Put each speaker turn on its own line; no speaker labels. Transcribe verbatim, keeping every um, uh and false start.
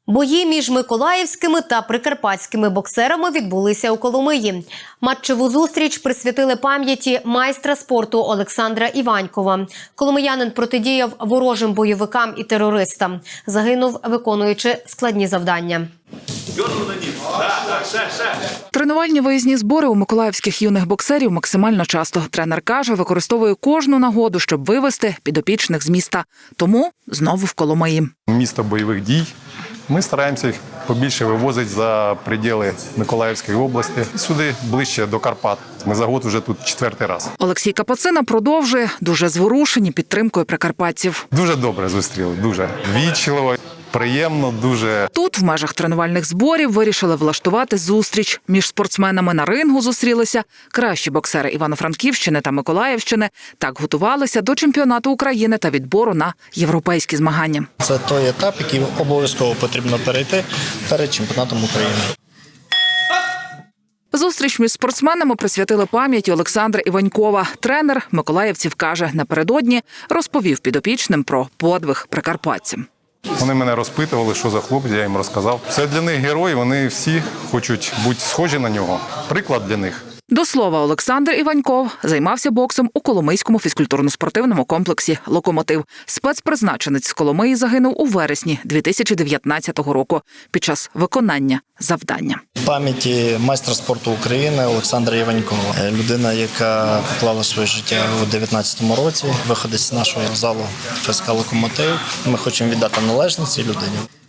Бої між миколаївськими та прикарпатськими боксерами відбулися у Коломиї. Матчеву зустріч присвятили пам'яті майстра спорту Олександра Іванькова. Коломиянин протидіяв ворожим бойовикам і терористам. Загинув, виконуючи складні завдання.
Тренувальні виїзні збори у миколаївських юних боксерів максимально часто. Тренер каже, використовує кожну нагоду, щоб вивести підопічних з міста. Тому знову в Коломиї.
Місто бойових дій. Ми стараємося їх побільше вивозити за приділи Миколаївської області, сюди ближче до Карпат. Ми за год вже тут четвертий раз.
Олексій Капацина продовжує, дуже зворушені підтримкою прикарпатців.
Дуже добре зустріли, дуже ввічливо, приємно, дуже.
Тут в межах тренувальних зборів вирішили влаштувати зустріч. Між спортсменами на рингу зустрілися кращі боксери Івано-Франківщини та Миколаївщини. Так готувалися до чемпіонату України та відбору на європейські змагання.
Це той етап, який обов'язково потрібно перейти перед чемпіонатом України.
Зустріч між спортсменами присвятили пам'яті Олександра Іванькова. Тренер миколаївців каже, напередодні розповів підопічним про подвиг прикарпатців.
Вони мене розпитували, що за хлопець, я їм розказав. Це для них герой, вони всі хочуть бути схожі на нього. Приклад для них.
До слова, Олександр Іваньков займався боксом у Коломийському фізкультурно-спортивному комплексі «Локомотив». Спецпризначенець з Коломиї загинув у вересні дві тисячі дев'ятнадцятого року під час виконання завдання.
В пам'яті майстра спорту України Олександра Іванькова. Людина, яка поклала своє життя у дев'ятнадцятому році, виходить з нашого залу ФСК «Локомотив». Ми хочемо віддати належність цій людині.